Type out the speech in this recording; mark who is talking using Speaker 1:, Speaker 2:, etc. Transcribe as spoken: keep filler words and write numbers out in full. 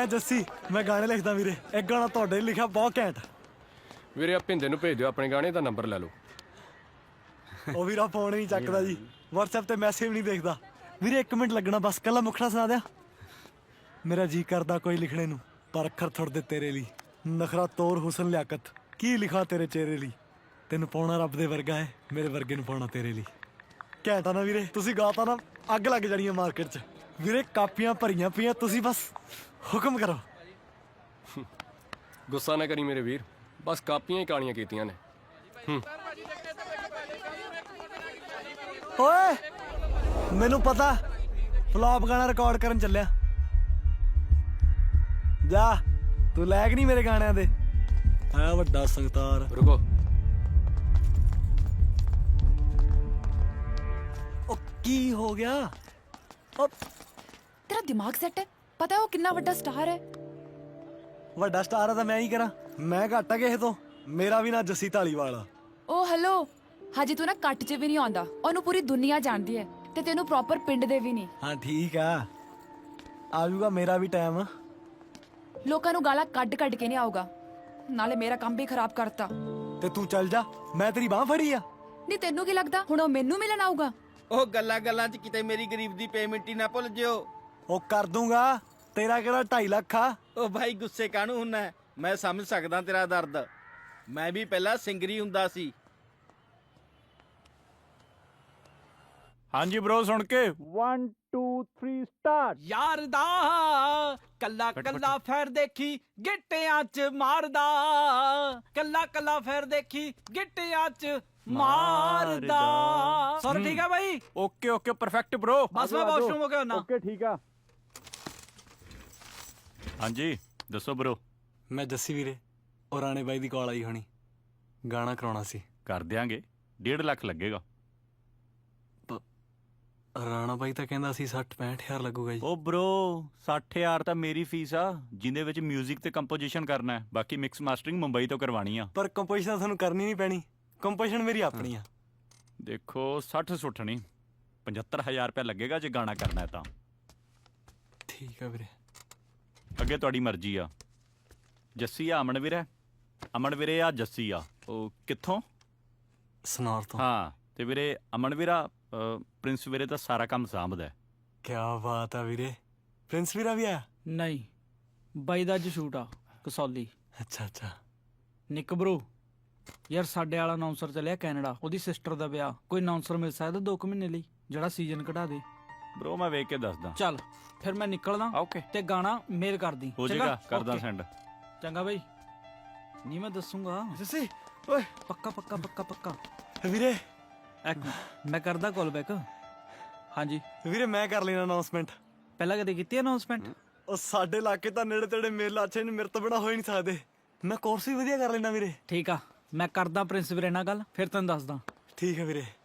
Speaker 1: ਮੈਂ ਜੱਸੀ ਮੈਂ ਗਾਣੇ ਲਿਖਦਾ ਵੀਰੇ। ਇੱਕ ਗਾਣਾ ਤੁਹਾਡੇ ਲਈ ਲਿਖਿਆ ਬਹੁਤ ਘੈਂਟ।
Speaker 2: ਵੀਰੇ ਆ ਭਿੰਦੇ ਨੂੰ ਭੇਜ ਦਿਓ ਆਪਣੇ ਗਾਣੇ ਦਾ ਨੰਬਰ ਲੈ ਲਓ।
Speaker 1: ਉਹ ਵੀਰਾ ਫੋਨ ਨਹੀਂ ਚੱਕਦਾ ਜੀ, WhatsApp ਤੇ ਮੈਸੇਜ ਨਹੀਂ ਦੇਖਦਾ। ਵੀਰੇ ਇੱਕ ਮਿੰਟ ਲੱਗਣਾ ਬਸ, ਕੱਲਾ ਮੁਖੜਾ ਸੁਣਾ ਦਿਆਂ। ਮੇਰਾ ਜੀ ਕਰਦਾ ਕੋਈ ਲਿਖਣੇ ਨੂੰ, ਪਰ ਅੱਖਰ ਥੁੜਦੇ ਤੇਰੇ ਲਈ। ਨਖਰਾ ਤੋਰ ਹੁਸਨ ਲਿਆਕਤ, ਕੀ ਲਿਖਾ ਤੇਰੇ ਚਿਹਰੇ ਲਈ। ਤੈਨੂੰ ਪਾਉਣਾ ਰੱਬ ਦੇ ਵਰਗਾ ਹੈ, ਮੇਰੇ ਵਰਗੇ ਨੂੰ ਪਾਉਣਾ ਤੇਰੇ ਲਈ। ਘੈਂਟ ਆ ਨਾ ਵੀਰੇ? ਤੁਸੀਂ ਗਾਤਾ ਨਾ ਅੱਗ ਲੱਗ ਜਾਣੀ ਹੈ ਮਾਰਕੀਟ 'ਚ। ਵੀਰੇ ਕਾਪੀਆਂ ਭਰੀਆਂ ਪਈਆਂ, ਤੁਸੀਂ ਬਸ ਹੁਕਮ ਕਰੋ।
Speaker 2: ਗੁੱਸਾ ਨਾ ਕਰੀ ਮੇਰੇ ਵੀਰ, ਬਸ ਕਾਪੀਆਂ ਹੀ ਕਾਲੀਆਂ ਕੀਤੀਆਂ ਨੇ। ਹੂੰ
Speaker 1: ਓਏ ਮੈਨੂੰ ਪਤਾ ਫਲॉप ਗਾਣਾ ਰਿਕਾਰਡ ਕਰਨ ਚੱਲਿਆ। ਜਾ ਤੂੰ ਲੈਕ ਨਹੀਂ ਮੇਰੇ ਗਾਣਿਆਂ ਦੇ, ਹੈ ਵੱਡਾ ਸੰਗਤਾਰ।
Speaker 2: ਰੁਕੋ,
Speaker 1: ਉਹ ਕੀ ਹੋ ਗਿਆ? ਉਹ
Speaker 3: ਤੇਰਾ ਦਿਮਾਗ ਸੈੱਟ ਹੈ? ਪਤਾ ਹੈ ਉਹ ਕਿੰਨਾ ਵੱਡਾ ਸਟਾਰ ਹੈ?
Speaker 1: ਵੱਡਾ ਸਟਾਰ ਆ ਤਾਂ ਮੈਂ ਹੀ ਕਰਾਂ? ਮੈਂ ਘੱਟ ਆ ਕਿਸੇ ਤੋਂ? ਮੇਰਾ ਵੀ ਨਾ ਜੱਸੀ ਢਾਲੀਵਾਲ ਆ।
Speaker 3: ਓ ਹੈਲੋ, ਹਜੇ ਤੂੰ ਨਾ ਕੱਟ 'ਚ ਵੀ ਨਹੀਂ ਆਉਂਦਾ, ਉਹਨੂੰ ਪੂਰੀ ਦੁਨੀਆ ਜਾਣਦੀ ਹੈ ਤੇ ਤੈਨੂੰ ਪ੍ਰੋਪਰ ਪਿੰਡ ਦੇ ਵੀ ਨਹੀਂ।
Speaker 1: ਹਾਂ ਠੀਕ ਆ, ਆਜੂਗਾ ਮੇਰਾ ਵੀ ਟਾਈਮ।
Speaker 3: ਲੋਕਾਂ ਨੂੰ ਗਾਲਾਂ ਕੱਢ ਕੱਢ ਕੇ ਨਹੀਂ ਆਊਗਾ, ਨਾਲੇ ਮੇਰਾ ਕੰਮ ਵੀ ਖਰਾਬ ਕਰਤਾ।
Speaker 1: ਤੇ ਤੂੰ ਚੱਲ ਜਾ, ਮੈਂ ਤੇਰੀ ਬਾਹ ਫੜੀ ਆ।
Speaker 3: ਨਹੀਂ ਤੈਨੂੰ ਕੀ ਲੱਗਦਾ ਹੁਣ ਉਹ ਮੈਨੂੰ ਮਿਲਣ ਆਊਗਾ?
Speaker 4: ਉਹ ਗੱਲਾਂ ਗੱਲਾਂ 'ਚ ਕਿਤੇ ਮੇਰੀ ਗਰੀਬ ਦੀ ਪੇਮੈਂਟ ਹੀ ਨਾ ਭੁੱਲ ਜਿਓ।
Speaker 1: ਉਹ ਕਰ ਦੂੰਗਾ, ਤੇਰਾ ਕਿਹੜਾ ਢਾਈ ਲੱਖ ਆ।
Speaker 4: ਉਹ ਭਾਈ ਗੁੱਸੇ ਕਾਹਨੂੰ ਹੁੰਨਾ? ਮੈਂ ਸਮਝ ਸਕਦਾ ਤੇਰਾ ਦਰਦ, ਮੈਂ ਵੀ ਪਹਿਲਾਂ ਸਿੰਗਰੀ ਹੁੰਦਾ ਸੀ।
Speaker 5: ਹਾਂਜੀ ਬ్రో, ਸੁਣ ਕੇ
Speaker 4: one two three start।
Speaker 6: ਯਾਰ ਦਾ ਕੱਲਾ ਕੱਲਾ ਫੇਰ ਦੇਖੀ ਗਿੱਟਿਆਂ 'ਚ ਮਾਰਦਾ, ਕੱਲਾ ਕੱਲਾ ਫੇਰ ਦੇਖੀ ਗਿੱਟਿਆਂ 'ਚ ਮਾਰਦਾ। ਸਰ ਠੀਕ ਆ ਬਾਈ?
Speaker 5: Okay okay perfect bro.
Speaker 6: ਬਸ ਮੈਂ ਵਾਸ਼ਰੂਮ ਹੋ ਗਿਆ ਨਾ।
Speaker 4: ਓਕੇ ਠੀਕ ਆ।
Speaker 5: ਹਾਂਜੀ ਦੱਸੋ ਬ్రో।
Speaker 1: ਮੈਂ ਜੱਸੀ ਵੀਰੇ, ਉਹ ਰਾਣੇ ਬਾਈ ਦੀ ਕਾਲ ਆਈ ਹੋਣੀ, ਗਾਣਾ ਕਰਾਉਣਾ ਸੀ।
Speaker 5: ਕਰ ਦਿਆਂਗੇ, ਡੇਢ ਲੱਖ ਲੱਗੇਗਾ।
Speaker 1: ਰਾਣਾ ਬਾਈ ਤਾਂ ਕਹਿੰਦਾ ਸੀ ਸੱਠ ਪੈਂਹਠ ਹਜ਼ਾਰ ਲੱਗੂਗਾ ਜੀ।
Speaker 5: ਉਹ ਬ్రో ਸੱਠ ਹਜ਼ਾਰ ਤਾਂ ਮੇਰੀ ਫੀਸ ਆ, ਜਿੰਦੇ ਵਿੱਚ 뮤직 ਤੇ ਕੰਪੋਜੀਸ਼ਨ ਕਰਨਾ ਹੈ, ਬਾਕੀ ਮਿਕਸ ਮਾਸਟਰਿੰਗ ਮੁੰਬਈ ਤੋਂ ਕਰਵਾਣੀ ਆ।
Speaker 1: ਪਰ ਕੰਪੋਜੀਸ਼ਨ ਤੁਹਾਨੂੰ ਕਰਨੀ ਨਹੀਂ ਪੈਣੀ, ਕੰਪੋਜੀਸ਼ਨ ਮੇਰੀ ਆਪਣੀ ਆ।
Speaker 5: ਦੇਖੋ ਸੱਠ ਸੁੱਠ ਨਹੀਂ, ਪਝੱਤਰ ਹਜ਼ਾਰ ਰੁਪਇਆ ਲੱਗੇਗਾ ਜੇ ਗਾਣਾ ਕਰਨਾ ਹੈ ਤਾਂ।
Speaker 1: ਠੀਕ ਆ ਵੀਰੇ।
Speaker 5: ਅੱਗੇ ਤੁਹਾਡੀ ਮਰਜ਼ੀ ਆ। ਜੱਸੀ ਆ ਅਮਨ ਵੀਰੇ? ਅਮਨ ਵੀਰੇ ਆ ਜੱਸੀ ਆ। ਉਹ ਕਿੱਥੋਂ?
Speaker 1: ਸਨੌਰ ਤੋਂ।
Speaker 5: ਹਾਂ ਤੇ ਵੀਰੇ ਅਮਨ ਵੀਰਾ ਪ੍ਰਿੰਸ ਵੀਰੇ ਤਾਂ ਸਾਰਾ ਕੰਮ ਸਾਂਭਦਾ।
Speaker 1: ਕੀ ਬਾਤ ਆ ਵੀਰੇ, ਪ੍ਰਿੰਸ ਵੀਰਾ ਵੀ ਆਇਆ?
Speaker 6: ਨਹੀਂ ਬਾਈ ਦਾ ਅੱਜ ਸ਼ੂਟ ਆ ਕਸੌਲੀ।
Speaker 1: ਅੱਛਾ ਅੱਛਾ।
Speaker 6: ਨਿੱਕ ਬ్రో ਯਾਰ ਸਾਡੇ ਵਾਲਾ ਅਨਾਉਂਸਰ ਚੱਲਿਆ ਕੈਨੇਡਾ, ਉਹਦੀ ਸਿਸਟਰ ਦਾ ਵਿਆਹ। ਕੋਈ ਅਨਾਉਂਸਰ ਮਿਲ ਸਕਦਾ ਦੋ ਕੁ ਮਹੀਨੇ ਲਈ ਜਿਹੜਾ ਸੀਜ਼ਨ ਕਢਾ ਦੇ?
Speaker 5: ਬ్రో ਮੈਂ ਵੇਖ ਕੇ ਦੱਸਦਾ।
Speaker 6: ਚੱਲ ਫਿਰ ਮੈਂ ਨਿਕਲਦਾ।
Speaker 5: ਓਕੇ
Speaker 6: ਤੇ ਗਾਣਾ ਮੇਲ ਕਰਦੀ।
Speaker 5: ਹੋ ਜਾਏਗਾ, ਕਰਦਾ ਸੈਂਡ।
Speaker 6: ਚੰਗਾ ਬਾਈ, ਨਹੀਂ ਮੈਂ ਦੱਸੂਗਾ।
Speaker 1: ਜੱਸੀ ਓਏ।
Speaker 6: ਪੱਕਾ ਪੱਕਾ ਪੱਕਾ ਪੱਕਾ
Speaker 1: ਵੀਰੇ
Speaker 6: ਇੱਕ ਮੈਂ ਕਰਦਾ ਕਾਲ ਬੈਕ। ਹਾਂਜੀ
Speaker 1: ਵੀਰੇ ਮੈਂ ਕਰ ਲੈਣਾ ਅਨਾਉਂਸਮੈਂਟ।
Speaker 6: ਪਹਿਲਾਂ ਕਦੇ ਕੀਤੀ ਅਨਾਉਂਸਮੈਂਟ?
Speaker 1: ਉਹ ਸਾਡੇ ਇਲਾਕੇ ਤਾਂ ਨੇੜੇ ਤੇੜੇ ਮੇਲਾ ਅੱਛੇ ਨੇ, ਮੇਰੇ ਤੋਂ ਬਿਨਾਂ ਹੋ ਹੀ ਨਹੀਂ ਸਕਦੇ। ਮੈਂ ਕੋਰਸ ਵੀ ਵਧੀਆ ਕਰ ਲੈਣਾ ਵੀਰੇ।
Speaker 6: ਠੀਕ ਆ, ਮੈਂ ਕਰਦਾ ਪ੍ਰਿੰਸ ਵੀਰੇ ਨਾਲ ਗੱਲ, ਫਿਰ ਤੈਨੂੰ ਦੱਸਦਾ।
Speaker 1: ਠੀਕ ਹੈ ਵੀਰੇ।